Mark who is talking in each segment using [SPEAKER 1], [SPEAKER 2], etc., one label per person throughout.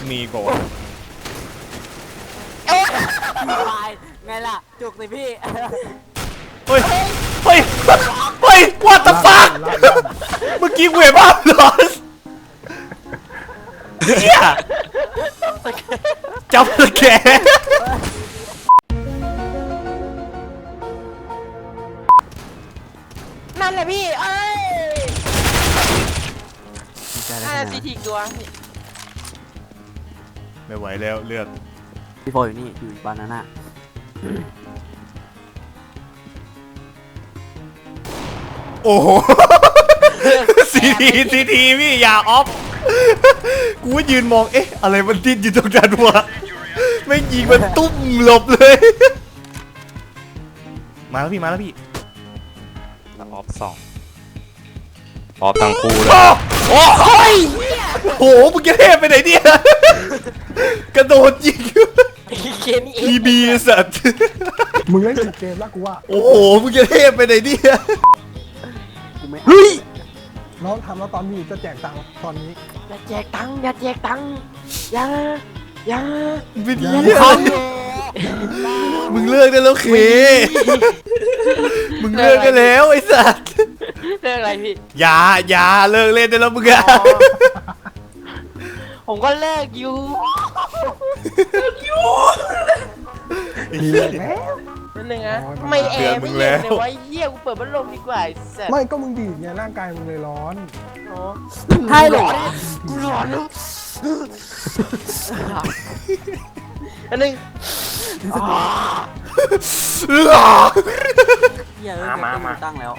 [SPEAKER 1] มีกว่า
[SPEAKER 2] ตายไงล่ะจุกสิพี่
[SPEAKER 1] เฮ้ยเฮ้ยเฮ้ย what the fuck เมื่อกี้เวบ้าหลอนเฮียจับสแกน
[SPEAKER 3] นั่นแหละพี่เอ้ยซีทีตัว
[SPEAKER 1] ไม่ไหวแล้วเลือด
[SPEAKER 2] พี่โฟอยู่นี่อยู่บานาน่า
[SPEAKER 1] โอ้โหซีทีพี่อย่าออฟกูว่ายืนมองเอ๊ะอะไรมันดิ้นอยู่ตรงนั้นวะไม่ยิงมันตุ้มหลบเลยมาแล้วพี่มาแล้วพี่
[SPEAKER 4] ออฟ2ออฟทั้งคู่เลย
[SPEAKER 1] โอ้ยโหมึงจะเทพไปไหนเนี่ยกระโดดยิง
[SPEAKER 3] เกมนี้
[SPEAKER 1] พีบีสัตว์
[SPEAKER 5] มึงเล่นผิดเกมแล้วกูว่า
[SPEAKER 1] โอ้โหมึงจะเทพไปไหนเนี่ย
[SPEAKER 2] กูไม่
[SPEAKER 1] เฮ้ย
[SPEAKER 5] น้องทำแล้วตอนนี้จะแจกตังค์ตอนนี้
[SPEAKER 3] อย่าแจกตังค์อย่าแจกตังค์อย่า
[SPEAKER 1] เป็นเหี้ยมึงเลิกได้แล้วเคมึงเลิกได้แล้วไอ้สัตว์
[SPEAKER 3] เรื่องอะไรพี่
[SPEAKER 1] อย่าเลิกเล่นได้แล้วมึงอะ
[SPEAKER 3] ผมก็เลิกอยู่
[SPEAKER 5] มีเลยแล้ว
[SPEAKER 3] นั่นนึงนะไม่แอร์ไม่เย็นเลยวะเหี้ยกูเปิดพัดลมดีกว่าไอ้สัส
[SPEAKER 5] ไม่ก็มึงดีดไงร่างกายมึงเลยร้อน
[SPEAKER 3] อ๋อ
[SPEAKER 2] ใช่เหรอ
[SPEAKER 3] กูร้อนแล้วอันนึง
[SPEAKER 1] เลือ
[SPEAKER 2] เฮียมาตั้งแล้ว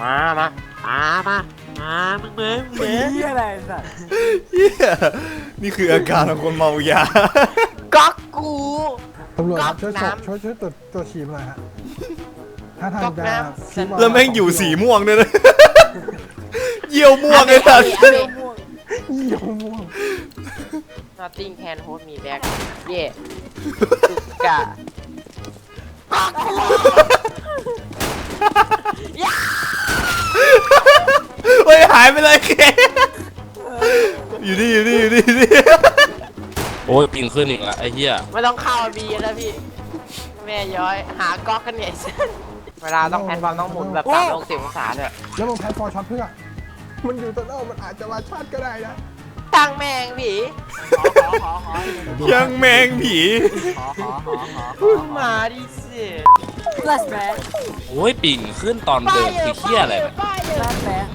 [SPEAKER 3] มึงเบ้มึง
[SPEAKER 2] เฮียอะไรสัตว์
[SPEAKER 1] เหี้ยนี่คืออาการของคนเมายา
[SPEAKER 3] ก๊อกกู
[SPEAKER 5] ตำรวจครับ
[SPEAKER 3] ก๊
[SPEAKER 5] ช่วย
[SPEAKER 3] อกน้ำ
[SPEAKER 5] ช่วยตรวจฉี่หน่อยฮะถ้าทาง
[SPEAKER 3] ก๊อก
[SPEAKER 5] จะ
[SPEAKER 3] น้ำ
[SPEAKER 5] ชี้า
[SPEAKER 1] แล้วแม่งอยู่สีม่วงด้วยนะเยี่ยวม่วงไอ้สัตว์
[SPEAKER 5] เยี่ยวม่วง
[SPEAKER 3] Nothing can hold me back เย่สุกะ
[SPEAKER 1] เฮ้ยหายไปเลยเคอยู่นี่
[SPEAKER 4] โอ้ยปิงขึ้นอีกละไอ้เหี้ย
[SPEAKER 3] ไม่ต้องเข้าบีแล้วพี่ แม่ย้อยหาก๊อกกันเนี่ยเวลาต้องแพนบอลต้องหมุนแบบ360 องศาด้วย
[SPEAKER 5] แล้วมึงแพ้ฟอร์ช็อตเพื่อมันอยู่ตัวเน่ามันอาจจะมาชาร์จก็ได้นะ
[SPEAKER 3] ตั้งแมงผี
[SPEAKER 1] ยังแมงผี
[SPEAKER 3] มาดิสิ
[SPEAKER 2] ลาสแบง
[SPEAKER 4] โอ้ยปิงขึ้นตอนเดินคือเหี้ยอะไรเนี่ย
[SPEAKER 2] ลาสแบง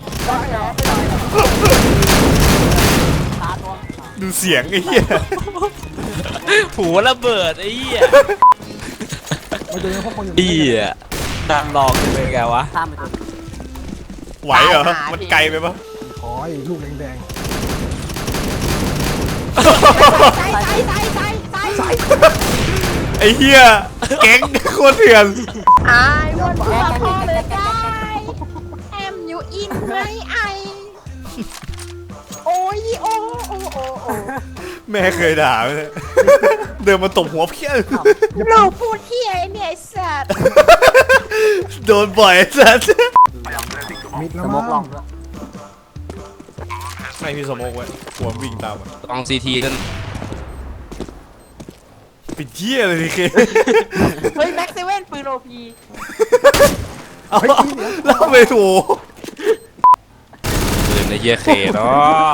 [SPEAKER 2] ตาตัว
[SPEAKER 1] ดูเสียงไอ้เหี้ย
[SPEAKER 4] หูระเบิดไอ้เหี้ย
[SPEAKER 5] มันจะมีพวกคนอยู่
[SPEAKER 4] เหี้ยนั่งลองกันเลยไงวะ
[SPEAKER 2] ตามไปตัว
[SPEAKER 1] ไหวเหรอมันไกลไปปะ
[SPEAKER 5] ขอไอ้ลูกแดง
[SPEAKER 1] ไอ้เหี้ยแก๊งโคตรเถื่อน
[SPEAKER 3] I want to apologize Am you in my eye โอ้ยโอ้
[SPEAKER 1] แม่เคยด่าไหมเนี่ยเดินมาตบหัวเพี้ย
[SPEAKER 3] หนูพูดเที่ยเนี่ยไอ้สัตว์
[SPEAKER 1] โดนบ่อยสัส
[SPEAKER 5] ๆมิด
[SPEAKER 2] ส
[SPEAKER 5] แล้ว
[SPEAKER 2] ม
[SPEAKER 5] มั้
[SPEAKER 2] กลอง
[SPEAKER 5] ง
[SPEAKER 2] ด้วย
[SPEAKER 1] ไม่พี่สโมกไว้หัววิ่งตามมา
[SPEAKER 4] ต้องซีทีกัน
[SPEAKER 1] ปิดเหี้ยเลยดิเค
[SPEAKER 3] เฮ้ยแม็กซ์เซเว่นปืนโอพี
[SPEAKER 1] เอาแล้วไปถู
[SPEAKER 4] ปืนในเหี้ยเคเนาะ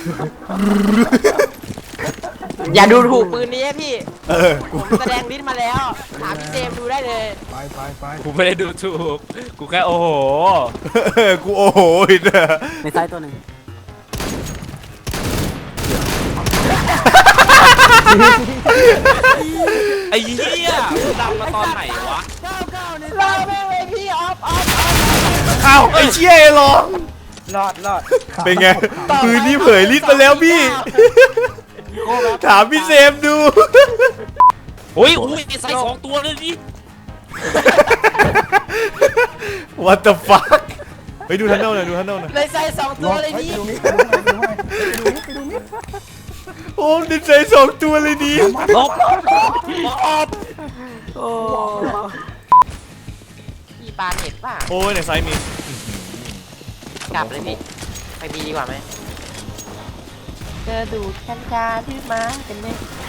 [SPEAKER 3] อย่าดูถูกปืนนี้พี่
[SPEAKER 1] กู
[SPEAKER 3] ผมแสดงลิ้นมาแล้ว ถามพี่เจมส์ดูได้เลย
[SPEAKER 5] ไป
[SPEAKER 4] กูไม่ได้ดูถูกกูแค่โอ้โห
[SPEAKER 1] กูโอ้โหอีกนะ
[SPEAKER 2] ในไซต์ตัวหนึ่ง
[SPEAKER 4] ไอ้เหี้ยมึงดังมาตอนไหนวะ
[SPEAKER 3] รอแม่งเลยพี่ออฟ
[SPEAKER 1] อ้าวไอ้เชี่ยไอ้ร้อง
[SPEAKER 3] รอด
[SPEAKER 1] เป็นไงปืนนี้เผยลิ้นมาแล้วพี่ถามพี่เซมดู
[SPEAKER 4] โอ้ยใส่2 ตัวเลยดิ
[SPEAKER 1] What the fuck ไปดูทันเนลหน่อยดูทันเนลหน่อย
[SPEAKER 3] เลยใส่2 ตัวเลย
[SPEAKER 5] ไป
[SPEAKER 3] พี่
[SPEAKER 5] ดูมิดไปดูมิด
[SPEAKER 1] โอ้ดิใจสองตัวเลยดี
[SPEAKER 4] ลบ
[SPEAKER 2] โอ้
[SPEAKER 3] พี่ปาเห็ดป่ะ
[SPEAKER 1] โอ้ยในไซส์มี
[SPEAKER 3] กลับเลยพี่ไปบีดีกว่าไหมเจอดูดกัญชาที่มาเป็นไหม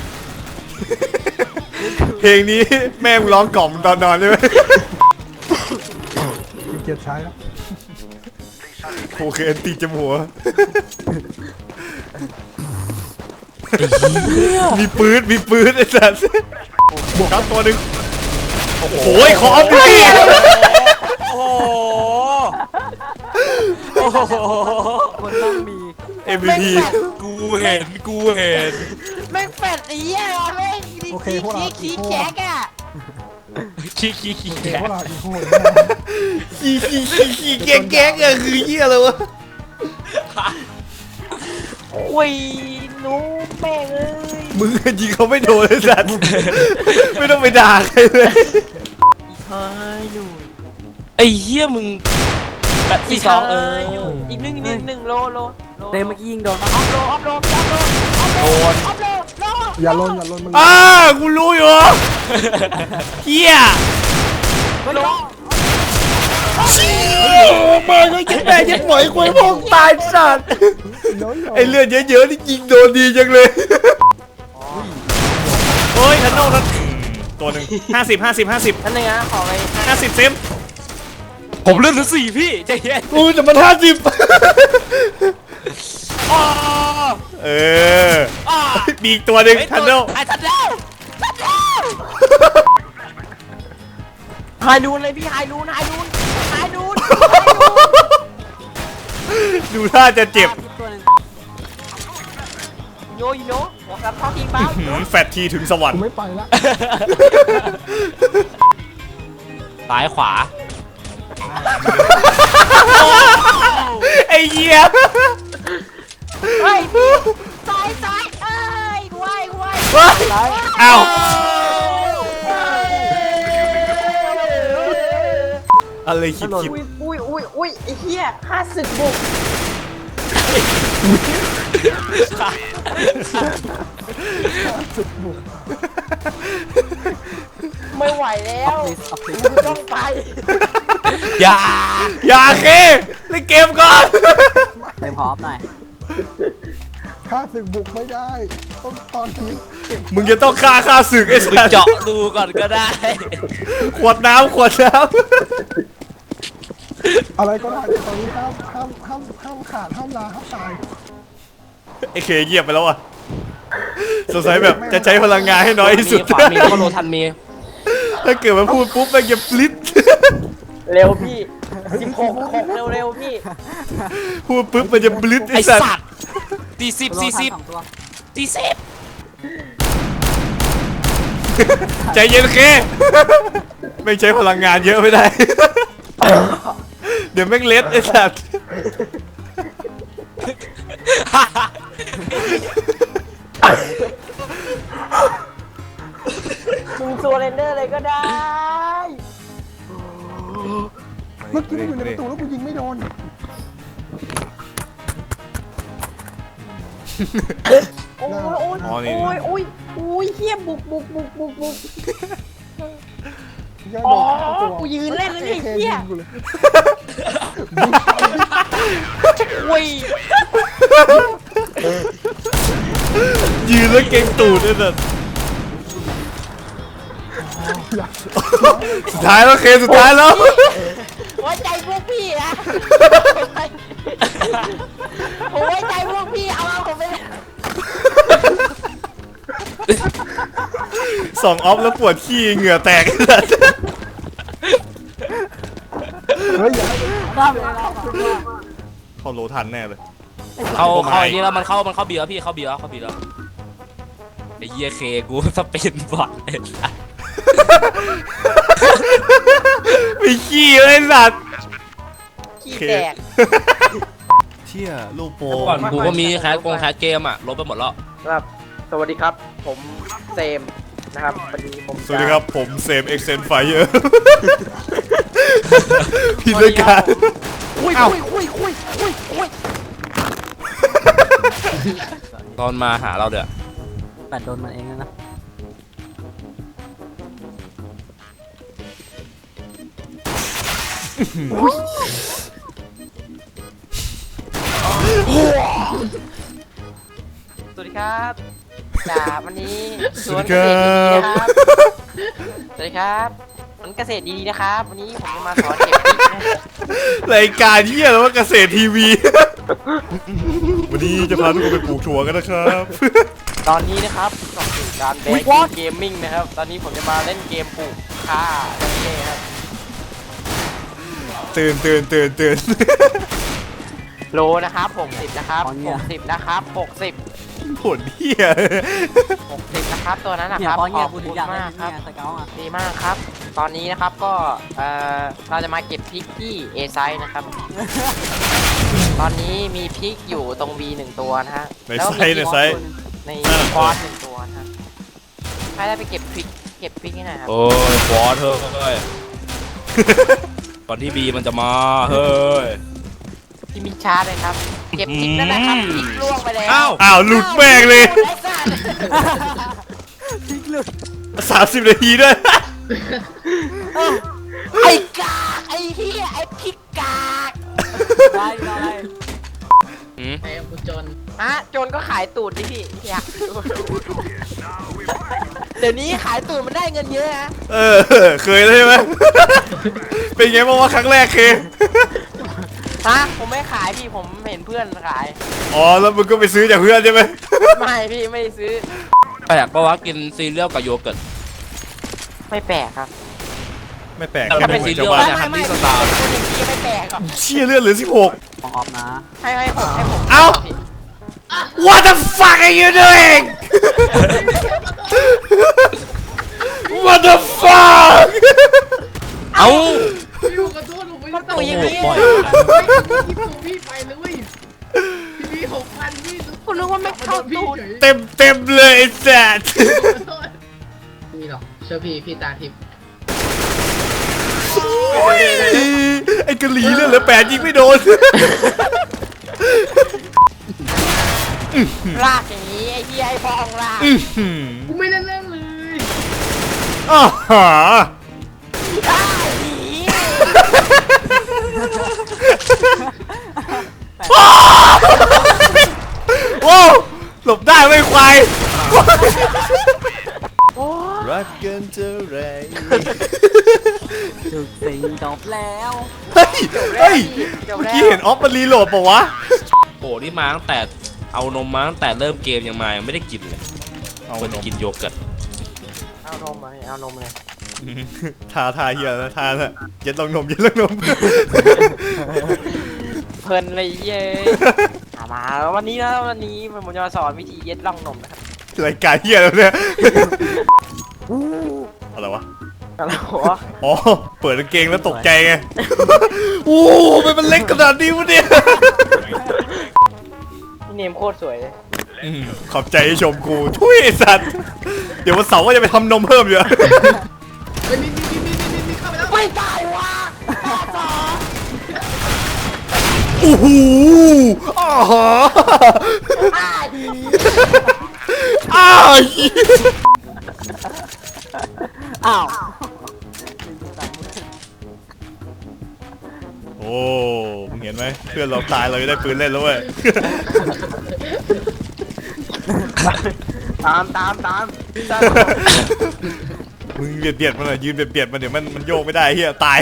[SPEAKER 1] เพลงนี้แม่งร้องกล่อมตอนนอนใช่ไหม
[SPEAKER 5] เกียรติใช้แล้ว
[SPEAKER 1] โอเคตีจมูกมีปืนไอ้สัสครับตัวหนึ่งโอ้โหขอเอาไป
[SPEAKER 4] โอ้โหโอ้โห
[SPEAKER 2] มันต้องมี
[SPEAKER 1] MVP
[SPEAKER 4] กูเห็น
[SPEAKER 3] แม่งแฟดไอ้เหี้ยแม่ง
[SPEAKER 5] โอเคพวกเรา
[SPEAKER 3] ขี้แจ๊กอะ
[SPEAKER 4] ขี้
[SPEAKER 5] โอเคพวกเราอีโก้เลย
[SPEAKER 1] ขี้แก๊กอะคือเหี้ยอะไรวะ
[SPEAKER 3] โอ้ยหนูแม่งเอ้ย
[SPEAKER 1] มึงยิงเขาไม่โดนไอ้สัสไม่ต้องไปด่าใครเลย
[SPEAKER 3] เฮ้ยหนู
[SPEAKER 4] ไอ้เหี้ยมึงแบบที่สอง
[SPEAKER 3] อีกหนึ่งโล
[SPEAKER 2] เต้เมื่อกี้ยิงโดนปะ
[SPEAKER 3] ออฟโลออฟโล
[SPEAKER 4] โดน
[SPEAKER 5] อย่าลนมึง
[SPEAKER 1] กูรู้อยู่เหี้ยมาก็ยัดแม่ยัดหมอยควยพวกตายสัตว์
[SPEAKER 5] น้อย
[SPEAKER 1] ไอเลือดเยอะๆนี่ยิงโดนดีจังเลยโอ้ยทันโน่ทันตัวหนึ่ง50
[SPEAKER 3] นั่นเองนะขอไป
[SPEAKER 1] เซม
[SPEAKER 4] ผมเลื่อนถึง4พี่ใจเย็น
[SPEAKER 1] กูแต่มัน50เออมีอีกตัวหนึ่งทันโน่
[SPEAKER 3] ไอ้ทัดแล้วไฮนูนเลยพี่ไฮนูน
[SPEAKER 1] ดูท่าจะเจ็บ
[SPEAKER 2] ตัวหนึ่ง
[SPEAKER 3] โยหัวกับท้อทีเป้า
[SPEAKER 1] แฟตทีถึงสวรร
[SPEAKER 5] กู
[SPEAKER 1] ค์
[SPEAKER 5] ไม่ไปละ
[SPEAKER 4] ซ้ายขวา
[SPEAKER 1] ไอ้เหี้ย
[SPEAKER 3] เฮ้ยซ้ายเอ้ยไว
[SPEAKER 1] อ้าว อะไรคิด
[SPEAKER 3] อุ้ยไอ้เหี้ยข้าศึกบุกไม่ไหวแล้ว
[SPEAKER 2] ออฟฟิศ
[SPEAKER 3] ต้องไป
[SPEAKER 1] อย่าเคเล่นเกมก่อน
[SPEAKER 2] เต็มพร้อมหน่อย
[SPEAKER 5] ข้าศึกบุกไม่ได้ต้องตอนนี้
[SPEAKER 1] มึงจะต้องฆ่าศึกไอ้สัส
[SPEAKER 4] เจาะดูก่อนก็ได้
[SPEAKER 1] ขวดน้ำ
[SPEAKER 5] อะไรก็ได้ตอนนี้ห้ามขาดห้ามลาห้ามตาย
[SPEAKER 1] ไอ้เคเงียบไปแล้วอ่ะสงสัยแบบจะใช้พลังงานให้น้อยที่สุด
[SPEAKER 4] ขวามีก็โลทันมี
[SPEAKER 1] ถ้าเกิดมาพูดปุ๊บแม่งจะฟลิป
[SPEAKER 3] เร็วพี่16เร็วพี่
[SPEAKER 1] พูดปุ๊บมันจะบลิป
[SPEAKER 4] ไอ
[SPEAKER 1] ไอ้สัต
[SPEAKER 4] สัต
[SPEAKER 1] ว์
[SPEAKER 4] ว์ตีสิบ
[SPEAKER 2] ตัว
[SPEAKER 4] สี่
[SPEAKER 2] ละ
[SPEAKER 4] สิบ
[SPEAKER 2] สองตัว
[SPEAKER 4] ตีสิบ
[SPEAKER 1] ใจเย็นเคไม่ใช้พลังงานเยอะไม่ได้ เดี๋ยวแม่งเล็ดไอ้สัตว์
[SPEAKER 3] มึงตัวเรนเดอร์เลยก็ได้
[SPEAKER 5] เมื่อกี้มันอยู่ในประตูแล้วกูยิงไม่โดน
[SPEAKER 3] โอ้ยเฮียบุก
[SPEAKER 5] ย่า
[SPEAKER 3] อ๋
[SPEAKER 5] โด
[SPEAKER 3] อน
[SPEAKER 5] เข้าตัว
[SPEAKER 3] กูยืนเล่นเลยไอ้
[SPEAKER 5] เค
[SPEAKER 3] เฮี
[SPEAKER 5] ยิ
[SPEAKER 3] ย
[SPEAKER 5] งกูเลย
[SPEAKER 3] อุ้ย
[SPEAKER 1] ยืนแล้วเก่งตูดไอ้สัตว์สุดท้ายแล้วเคสุดท้ายแล้ว
[SPEAKER 3] ไว้ใจพวกพี่นะผมไว้ใจพวกพี่เอาผมไป
[SPEAKER 1] สองออฟแล้วปวดขี้เหงื่อแตกไอ้สัตว์
[SPEAKER 5] เฮ้ยอย่าให้
[SPEAKER 2] ข้ามไปแล้ว
[SPEAKER 1] เขาโลทันแน่เลย
[SPEAKER 4] เข้าไอ้นี่แล้วมันเข้าบีแล้วพี่เข้าบีแล้วไอ้เหี้ยเคกูสเปนบอทไอ้สัตว์
[SPEAKER 1] ไม่ขี้เลยไอ้สัตว์
[SPEAKER 3] ขี้แตก
[SPEAKER 1] เชี่ยลูกโป
[SPEAKER 4] ก่อนกูก็มีแคสเกมอ่ะลบไปหมดแล้ว
[SPEAKER 6] ครับสวัสดีครับ ผมเซมนะครับวันนี้ผม
[SPEAKER 1] สวัสดีครับผมเซมเอ็กเซนไฟเยอร์พี่ด้วยกัน
[SPEAKER 3] อุ้ย
[SPEAKER 4] ตอนมาหาเราเด้อ
[SPEAKER 2] แปดโดนมันเองนะ
[SPEAKER 6] สวัสดีครับจากวันนี้ส
[SPEAKER 1] ส
[SPEAKER 6] ว
[SPEAKER 1] วัน ส
[SPEAKER 6] เก
[SPEAKER 1] ดี
[SPEAKER 6] ษ
[SPEAKER 1] ค
[SPEAKER 6] ตร
[SPEAKER 1] รั
[SPEAKER 6] ดีๆ
[SPEAKER 1] บ
[SPEAKER 6] นะครับสวัสดีครับสวนเกษตรดีๆนะครับ วันนี้ผมจะมาสอนเก็บพริกนะ
[SPEAKER 1] รายการเหี้ยแล้วว่าเกษตรทีวี วันนี้จะพาทุกคนไปปลูกถั่วกันนะครับ
[SPEAKER 6] ตอนนี้นะครับต่อสู่การแบงค์เกมมิ่งนะครับ ตอนนี้ผมจะมาเล่นเกมปลูกข้านั่นเองครับ
[SPEAKER 1] ตื่น
[SPEAKER 6] โลนะครับ60นะครับ60นะครับ60
[SPEAKER 1] ผลเหี้ย
[SPEAKER 6] 60นะครับตัวนั้นนะ
[SPEAKER 2] เนี่
[SPEAKER 6] ค
[SPEAKER 2] ย
[SPEAKER 6] รับ
[SPEAKER 2] เพราะ
[SPEAKER 6] ข
[SPEAKER 2] เงี้ย
[SPEAKER 6] อบ
[SPEAKER 2] กู
[SPEAKER 6] คุ
[SPEAKER 2] ถึง
[SPEAKER 6] ณ
[SPEAKER 2] อยากเล่
[SPEAKER 6] มาน กครับ
[SPEAKER 2] เนี่ยสเกลอ่ะ
[SPEAKER 6] ดีมากครับ ตอนนี้นะครับก็เราจะมาเก็บพริกที่ A ไซส์นะครับ ตอนนี้มีพริกอยู่ตรง B 1ตัวนะฮะ
[SPEAKER 1] ใน
[SPEAKER 6] แล้ว
[SPEAKER 1] ไซ
[SPEAKER 6] มี
[SPEAKER 1] ส์ในไซส์
[SPEAKER 6] ในควอด1ตัวนะฮะใครได้ไปเก็บพริกให้หน่อยครับ
[SPEAKER 4] โอ้ยฟอสเฮ้ยก่อนที่บีมันจะมาเฮ้ย
[SPEAKER 6] ที่มีชาร์จเลยครับ เก็บพริกนั่นแหละครับพริกล่วงไปแล้ว
[SPEAKER 4] อ้าว
[SPEAKER 1] อ้าวหลุดแม่งเลย
[SPEAKER 6] ไอ้สัตว์
[SPEAKER 2] พลิกหลุด
[SPEAKER 1] 30 นาทีด้วย
[SPEAKER 6] ไอ้กากไอ้เหี้ยไอ้พริกกาก
[SPEAKER 2] ได้ได้
[SPEAKER 4] อืม
[SPEAKER 3] ไอ้กูจน
[SPEAKER 6] อะโจรก็ขายตูดดิพี่อยากดูเดี๋ยวนี้ขายตูดมันได้เงินเยอะนะ
[SPEAKER 1] เคยแล้วใช่ไหม เป็นไงบ้างว่าครั้งแรกเค
[SPEAKER 6] ฮะผมไม่ขายพี่ผมเห็นเพื่อนขาย
[SPEAKER 1] อ๋อแล้วมึงก็ไปซื้อจากเพื่อนใช่ไหม
[SPEAKER 6] ไม่พี่ไม่ซื้อ
[SPEAKER 4] แปลกปะวะกินซีเรียลกับโยเกิร์ต
[SPEAKER 6] ไม่แปลกครับ
[SPEAKER 1] ไม่แปลก
[SPEAKER 4] แต่
[SPEAKER 1] แค่
[SPEAKER 4] ถ้า
[SPEAKER 1] ไม่
[SPEAKER 4] เป็น
[SPEAKER 1] เหมื
[SPEAKER 4] ซี
[SPEAKER 1] อน
[SPEAKER 4] เรี
[SPEAKER 1] ชาวย บ้าน
[SPEAKER 4] ลเนี่ยฮันนี่สตาร์
[SPEAKER 6] คนอย่างนี้ไม่แปลกหรอก
[SPEAKER 1] เชี่ยเลือดเหลือ 16
[SPEAKER 2] ของออฟนะ
[SPEAKER 6] ให้ผม
[SPEAKER 1] เอ้า What the fuck are you doing What the fuck
[SPEAKER 4] เอ้า
[SPEAKER 3] พี่ขอโทษผมไม่ได้ตั้ง
[SPEAKER 6] ตัว
[SPEAKER 3] ใจ
[SPEAKER 6] อย่างนี้
[SPEAKER 4] ปล่อย
[SPEAKER 3] พี่ส่งพี่ไปเลยเว้ยพี่6,000พี่
[SPEAKER 6] คุณนึกว่าไม่เข้าตูด
[SPEAKER 1] เต็มเลยไอ้แซด
[SPEAKER 3] มีหรอกเชื่อพี่ตาทิพย์
[SPEAKER 1] ไอ้กะหลีเลือดเหลือ8ยิงไม่โดน
[SPEAKER 6] ลากอย่างนี้ไอ้เหี้ยไอ้พองลาก
[SPEAKER 3] กูไม่ได้เล่นเลย
[SPEAKER 1] อ้าวหา
[SPEAKER 6] อ้าวหนี
[SPEAKER 1] ว้าวหลบได้ไม่ควายรักกันเท่าไร
[SPEAKER 2] ถึกสีจบแล้ว
[SPEAKER 1] เฮ้ยเมื่อกี้เห็นออฟมันรีโหลดปะวะ
[SPEAKER 4] โอ้นี่มาตั้งแต่เอานมมาตั้งแต่เริ่มเกมยังมายังไม่ได้กินเลย
[SPEAKER 1] เอา
[SPEAKER 4] ควร
[SPEAKER 1] น
[SPEAKER 4] จะ
[SPEAKER 1] ม
[SPEAKER 4] กินโยเกิร์ต
[SPEAKER 6] เอานมมาเอานมเลย
[SPEAKER 1] ทาเฮียนะทานะเย็ดลงนมเย็ดลงนม
[SPEAKER 6] เพลินเลยเย้ยมาแล้ววันนี้ผมจะมาสอนวิธีเย็ดร่องนมนะครับ
[SPEAKER 1] รายการเฮียแล้วเนี่ยอะไรวะ
[SPEAKER 6] อะไรหัว
[SPEAKER 1] อ๋อ เปิดกางเกงแล้วตกใจไง โอ้ทำไมมันเล็กขนาดนี้วะเนี่ย
[SPEAKER 6] พี่เนมโคตรสวยเลย
[SPEAKER 1] ขอบใจที่ชมกูทุยไอ้สัตว์ เดี๋ยววันเสาร์ก็จะไปทำนมเพิ่มอยู่
[SPEAKER 3] เฮ้ยนี่เข้าไปแล้ว
[SPEAKER 6] ไม่ตายวะต่อ
[SPEAKER 1] โอ้โหอ้าฮะ
[SPEAKER 6] อ้าดี
[SPEAKER 1] อ้าว
[SPEAKER 2] อ้าว
[SPEAKER 1] โอ้มึงเห็นไหมเพื่อนเราตายเราจะได้ปืนเล่นแล้วเว้ย
[SPEAKER 6] ตาม
[SPEAKER 1] มึงเบียดมันหน่อยยืนเบียดมันเดี๋ยวมันโยกไม่ได้เฮียตาย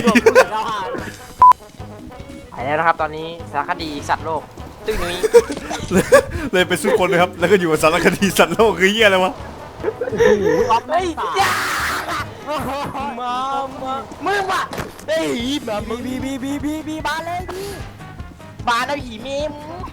[SPEAKER 6] ไปแล้วนะครับตอนนี้สารคดีสัตว์โลกตึ้งนี้
[SPEAKER 1] เลยไปสู้คนเลยครับ แล้วก็อยู่กับสารคดีสัตว์โลกคือเฮียอะไรวะ
[SPEAKER 2] ออฟไม่
[SPEAKER 6] เฮ้ย
[SPEAKER 2] ตาย
[SPEAKER 6] อย่ามึงว่ะเฮ้ยแบบ
[SPEAKER 2] บีมาเลยบี
[SPEAKER 6] บานเอาหีเมม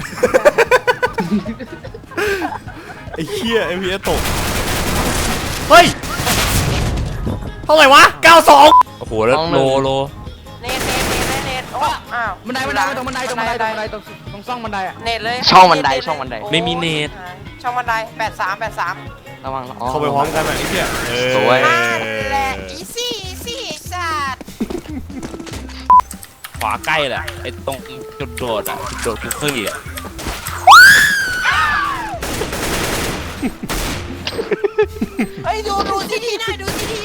[SPEAKER 1] ไอ้เฮียไอ้พีเอตก เฮ้ย เท่าไหร่วะ 92
[SPEAKER 4] โอ้โหแล้วโล
[SPEAKER 6] เน็ตโอ้อ้าว
[SPEAKER 3] ตรงซ่องบันไดอ่ะ
[SPEAKER 6] เน็ตเลย
[SPEAKER 4] ช่องบันได
[SPEAKER 6] โอ้
[SPEAKER 4] ไม่มีเน็ต
[SPEAKER 6] ช่องบันได83
[SPEAKER 4] ระวัง
[SPEAKER 1] เข้าไปพร้อมกันหน่อยไอ้เฮีย
[SPEAKER 4] สวย
[SPEAKER 6] นั่นแหละอีซี่สัตว์
[SPEAKER 4] ขวาใกล้แหละไอ้ตรงจุดโดดอ่ะจุดโดดคุกกี้อ่ะ
[SPEAKER 6] เฮ้ยดูทีทีหน่อย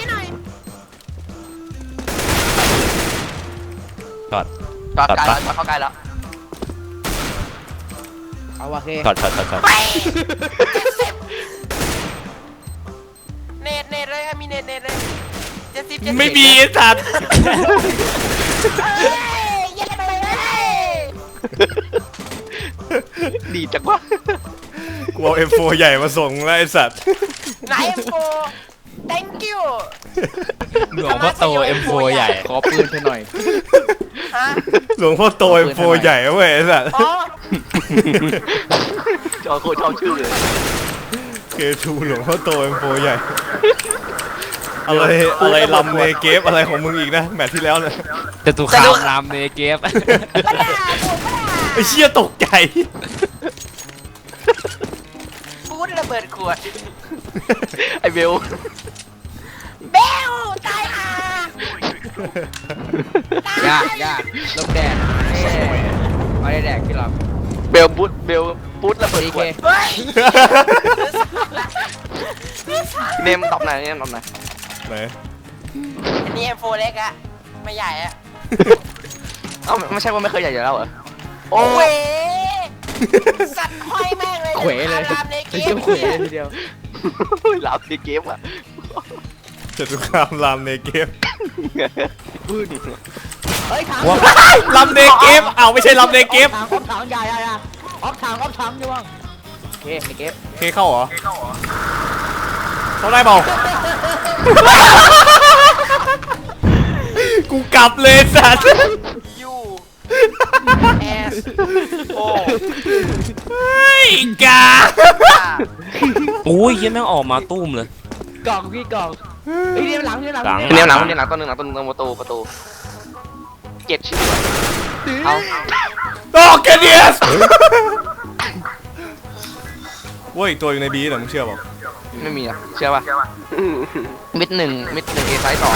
[SPEAKER 4] ช็อต
[SPEAKER 6] จอด
[SPEAKER 4] ตัด
[SPEAKER 6] ไกล
[SPEAKER 4] ปะ
[SPEAKER 6] แล้วจอดเข้าใกล้แล้ว
[SPEAKER 3] เอาโอเค
[SPEAKER 4] ช็อต
[SPEAKER 6] ไปอะมีเน็ตเลย70
[SPEAKER 1] ไม่มีไอ้สัตว์
[SPEAKER 3] เฮ้ยเย็นไปเลย
[SPEAKER 6] ดีจังวะ
[SPEAKER 1] กูเอา M4 ใหญ่มาส่งแล้วไอ้สัตว์
[SPEAKER 6] ไหนเอ็มโฟ thank you
[SPEAKER 4] หลวงพ่อโต M4 ใหญ่
[SPEAKER 7] ขอปืนเธอหน่อย
[SPEAKER 6] ฮะ
[SPEAKER 1] หลวงพ่อโต M4 ใหญ่เว้ยไอ้สัตว์
[SPEAKER 6] อ๋อ
[SPEAKER 7] จอโคตรชอบชื่อเลย
[SPEAKER 1] K2 หลวงพ่อโต M4 ใหญ่ อะไรลำในเกฟอะไรของมึงอีกนะแมตช์ที่แล้วเนี่ย
[SPEAKER 4] จะตุคามรามเนเกฟ
[SPEAKER 3] ปะด่าถูกปะด่า
[SPEAKER 1] ไอ้เชี่ยตกใจ
[SPEAKER 6] พูดระเบิดขวด
[SPEAKER 7] ไอเบล
[SPEAKER 3] เบลตายห่าย
[SPEAKER 7] ากยากลมแดดไม่ได้แดกพี่หรอก
[SPEAKER 6] เบลพูดระเบิดขวด
[SPEAKER 3] เฮ้ย
[SPEAKER 6] เนมตอบไหนเนมตอบไหน
[SPEAKER 1] ไหน
[SPEAKER 6] อันนี้ M4 เล็กอะไม่ใหญ่อะเอ้าไม่ใช่ว่าไม่เคยใหญ่อยู่แล้วเหรอ
[SPEAKER 3] โอ้ยสัตว์ห้อยแม่งเลย
[SPEAKER 7] เขวเลย
[SPEAKER 3] ตามในเก
[SPEAKER 7] ไม่
[SPEAKER 3] ม
[SPEAKER 7] ใช่เขวเลยทีเดียว
[SPEAKER 6] หลับในเกมอะ
[SPEAKER 1] จตุคามรามในเกฟ
[SPEAKER 7] พูดดิ
[SPEAKER 2] เฮ้ยถัง
[SPEAKER 1] ลำในเกฟเอาไม่ใช่ลำในเกฟ
[SPEAKER 2] ถังออฟถังใหญ่ออฟถังอยู่บ้าง
[SPEAKER 7] โอเคในเกม
[SPEAKER 1] เคเข้าเหรอเข้าได้เปล่า กูกลับเลยสัตว์
[SPEAKER 6] ยูแอสโอ
[SPEAKER 1] เฮ้ยกา
[SPEAKER 4] โอ้ยเหี้ยังแม่งออกมาตุ้มเลย
[SPEAKER 7] กล่องพี่กล่องไอ้ยเนี่ยหลังเนี่ยหลัง
[SPEAKER 4] หลัง
[SPEAKER 6] เนี่ยหลังตัวหนึงประตูเก็ตชื่อเอา
[SPEAKER 1] โอเคเดียสเว้ยตัวอยู่ในบีเหรอมึงเชื่อเปล่า
[SPEAKER 6] ไม่มีอะเชื่อป่ะมิดหนึ่งเอไซส์ต่อ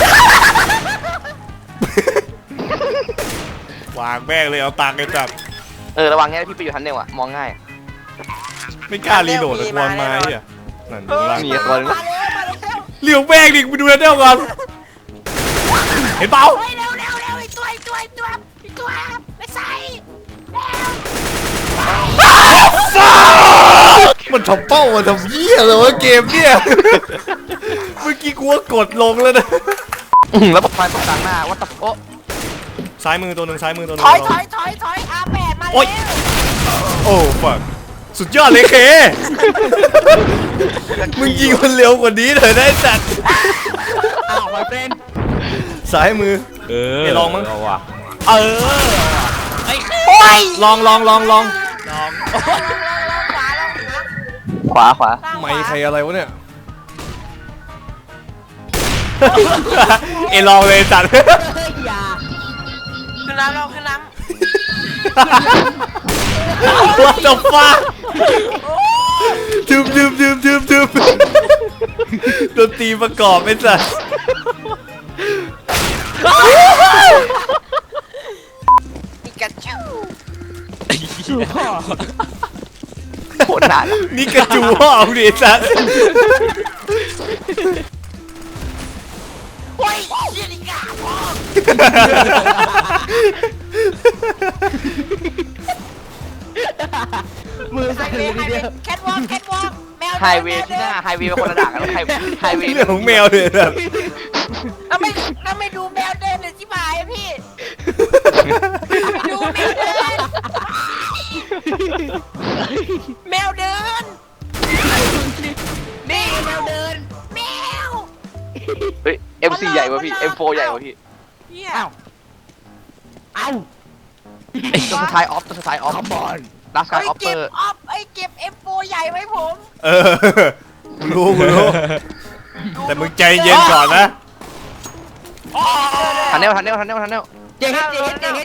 [SPEAKER 1] วางแม่งเลยเอาตังค์ไอ้สัตว์
[SPEAKER 6] ระวังแค่พี่ไปอยู่ทันเดียวอะมองง่าย
[SPEAKER 1] ไม่กล้ารีโหลดตะกวนไม้อ่ะนั่นดูล่าง
[SPEAKER 6] มีตัวนึง
[SPEAKER 3] มาเร็วมาเร็ว
[SPEAKER 1] เลี้ยวแม่งดิไปดูแล้วเดี๋ยวก่อนเห็นเปล่า
[SPEAKER 3] เฮ้ยเร็วไอ้ตัวไปใส่เร็ว
[SPEAKER 1] มันทำเป้ามันทำเหี้ยเลยวะเกมเนี่ย เมื่อกี้กูว่ากดลงแล้วนะ
[SPEAKER 6] แล้วไฟตกกลางหน้าวัดตะโอ้
[SPEAKER 1] ซ้ายมือตัวหนึ่งซ้ายมือตัวหนึ่
[SPEAKER 3] ถ
[SPEAKER 1] ง
[SPEAKER 3] อยอาแปดมา
[SPEAKER 1] โอ๊ย
[SPEAKER 3] เร็ว
[SPEAKER 1] โอ้ฟังสุดยอดเลยเค มึงยิงมันเร็วกว่านี้เลยนะไอ้สัตว์
[SPEAKER 2] อ้าวมาเป็น
[SPEAKER 1] ซ้ายมือ ไปลองมั้ง
[SPEAKER 4] เอาว่ะ
[SPEAKER 1] ลอง
[SPEAKER 6] ขวา
[SPEAKER 1] ไม่ใครอะไรวะเนี่ย เอยลองเลยสัตว์
[SPEAKER 2] เฮ้ยอย่า
[SPEAKER 6] ขึ้นน้ำเราขึ้นน้
[SPEAKER 1] What the fuck ทึมดนตรีประกอบไอ้สัส
[SPEAKER 6] ำปิกาจู
[SPEAKER 2] พ่อ
[SPEAKER 6] โคตรนาน
[SPEAKER 1] นี่กระจูห้องดิไอ้สัส
[SPEAKER 3] โอ้ยเชี่ยลิกาพ่อ
[SPEAKER 2] มือ
[SPEAKER 3] ไฮ
[SPEAKER 2] สั่น
[SPEAKER 3] เว
[SPEAKER 2] เลย
[SPEAKER 3] ย์
[SPEAKER 2] ทีเดียว
[SPEAKER 3] แคทวอล์กแมว
[SPEAKER 6] ไฮเวย์ที่หน้าไฮเวย์เป็นคนละด่างกันไฮเวย์
[SPEAKER 1] เรื่องของแมวเลยแบบ
[SPEAKER 3] เอาไม่ดูแมวเดินเลยชิบหายอะพี่ไปดูแมวเดินนี่แมวเดินแมว
[SPEAKER 6] เฮ้ย MC ใหญ่กว่าพี่ M4 ใหญ่กว่าพี่
[SPEAKER 3] เนี่ย
[SPEAKER 2] เอ้า
[SPEAKER 6] ตัวสุดท้ายออฟคอมบอลลาสกายออฟเป
[SPEAKER 3] เก็
[SPEAKER 6] อบ ร์
[SPEAKER 3] ออฟเก็บ F4 ใหญ่ไว้ผม
[SPEAKER 1] เออกูรู้แต่มึงใจเย็นก่อนนะ
[SPEAKER 6] ทันเนล
[SPEAKER 2] เจเฮด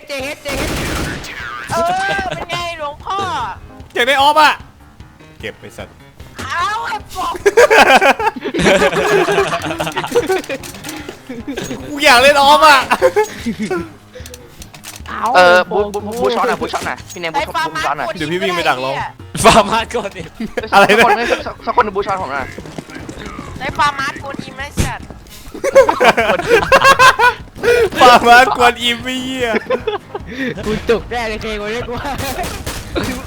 [SPEAKER 3] เป็นไงหลวงพ่อ
[SPEAKER 1] เจ็บได้ออฟอ่ะ เก็บไปสัตว์
[SPEAKER 3] เอา F4
[SPEAKER 1] กูอยากเล่นออฟอ่ะ
[SPEAKER 6] บูช็อตหน่อยพี่เนมบูช็อตหน่อย
[SPEAKER 1] เดี๋ยวพี่วิ่งไปดักรอ
[SPEAKER 4] ฟาร์มาก่อนดิ
[SPEAKER 1] อะไรนะ
[SPEAKER 6] สักคนบูช็อตผมหน่อย
[SPEAKER 3] ได้ฟาร์มาร์ทโกนอิมไหมสัตว์
[SPEAKER 1] ปามากวนอิมไม่เหี้ย
[SPEAKER 2] กูจุกแน่เลยเคกูเรียกว่า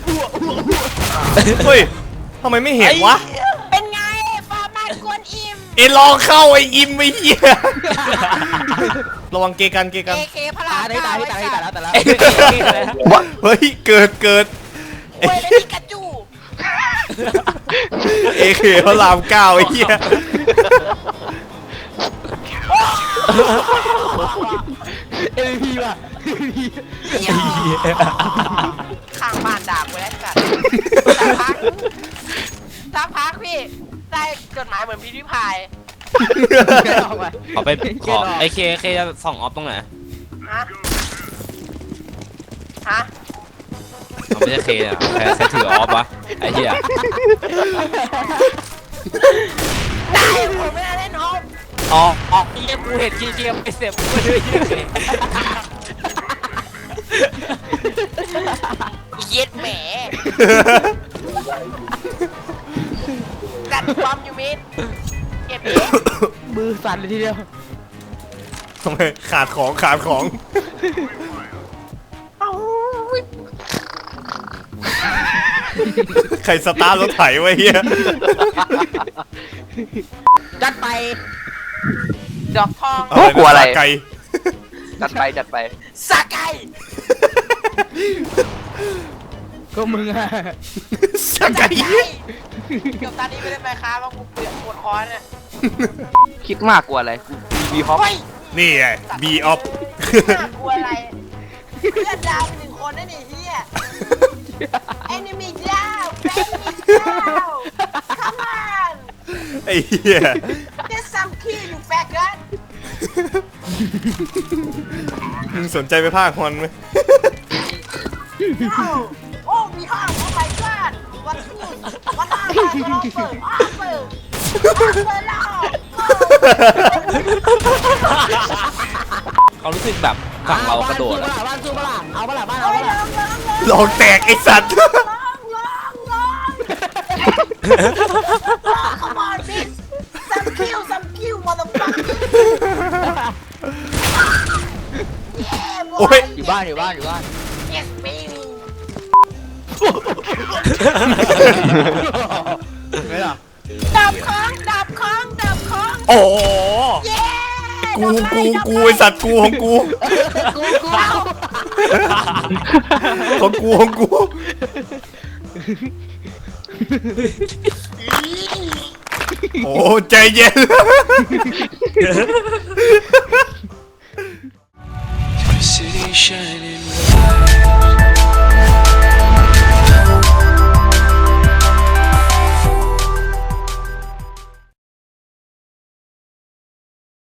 [SPEAKER 1] เฮ้ยทำไมไม่เห็นวะ
[SPEAKER 3] เป็นไงฟาร์มาร์ทโกนอิม
[SPEAKER 1] ลองเข้าไอ้อิมไอ้เหี้ยระวังเกกัน
[SPEAKER 3] AK พระราม
[SPEAKER 2] ตาย
[SPEAKER 3] เก้า
[SPEAKER 2] ตาย
[SPEAKER 3] ไอ้
[SPEAKER 2] ตาย
[SPEAKER 3] สัตว์
[SPEAKER 2] ตายแล้ว
[SPEAKER 1] เฮ้ยเกิด
[SPEAKER 3] เว้ยแล้วพิกาจู
[SPEAKER 1] เอเคพระรามเก้าไอ้เหี้ย
[SPEAKER 2] MVP ว่ะ
[SPEAKER 3] ข้างบ้านด่ากูแล้วสัตว์สักพักพี่ได้จดหมายเหมือนพิมพ์ริพาย
[SPEAKER 4] เอาไปขอไอเคจะส่องออฟตรงไหน
[SPEAKER 3] ฮะฮะ
[SPEAKER 4] เอาไม่ใช่เคอ่ะใครถือออฟวะไอ้เหี้ย
[SPEAKER 3] ได้ผมไม่ได้เล่นออฟ
[SPEAKER 4] อ๋อไอ้เหี้ยกูเห็นเกมไปเสียบกูเลย
[SPEAKER 3] เย็ดแหมกัดความอยู่มิดเก็บดิ
[SPEAKER 2] มือสั่นเลยทีเดียว
[SPEAKER 1] ทำไมขาดของ ใครสตาร์ทรถไถไว้เฮีย
[SPEAKER 2] จัดไป
[SPEAKER 3] ดอกทอง
[SPEAKER 6] กลัวอะไร
[SPEAKER 1] ไก่
[SPEAKER 6] จัดไป
[SPEAKER 3] สาไก่
[SPEAKER 2] ก็มึงอะ
[SPEAKER 1] สไก่
[SPEAKER 3] เกือบตอนนี้ไม่ได้ไปค้าเพราะกูเปลือกปวดคอเนี่ย
[SPEAKER 6] คิดมากกลัวอะไรมีฮอป
[SPEAKER 3] เฮ้ย
[SPEAKER 1] นี่ไงบีออฟ
[SPEAKER 3] น่ากลัวอะไรเพื่อนดาวหนึ่งคนได้หนิเฮีย enemy down enemy down come on
[SPEAKER 1] ไอ้เหี้ย
[SPEAKER 3] get some kill you faggot
[SPEAKER 1] มึงสนใจไปภาคฮอนไหม
[SPEAKER 3] โอ้มีห้อง oh my god วันทูนวันห้าวันออฟเฟอร์ออฟเฟอร์แล้ว
[SPEAKER 4] เขารู้สึกแบบฝั่งเรากระโดดอะ
[SPEAKER 2] บ้านสู้ปะล่ะเอาปะล่ะบ้าน
[SPEAKER 3] เฮ้
[SPEAKER 2] เอา
[SPEAKER 3] ย
[SPEAKER 2] ปะ
[SPEAKER 3] ล
[SPEAKER 2] ล่ะ
[SPEAKER 3] อง
[SPEAKER 1] ลองแตกไอ้สัตว์
[SPEAKER 3] come on bitch some kill motherfucker yeah
[SPEAKER 1] โอ้ย
[SPEAKER 2] อยู่บ้าน
[SPEAKER 3] yes baby
[SPEAKER 2] ไม่หรอ
[SPEAKER 3] ดับของ
[SPEAKER 1] โอ้โห
[SPEAKER 3] เย้
[SPEAKER 1] กูไอ้สัตว์กูของกู ของกู โอ้ใจเย็น
[SPEAKER 8] City shining bright.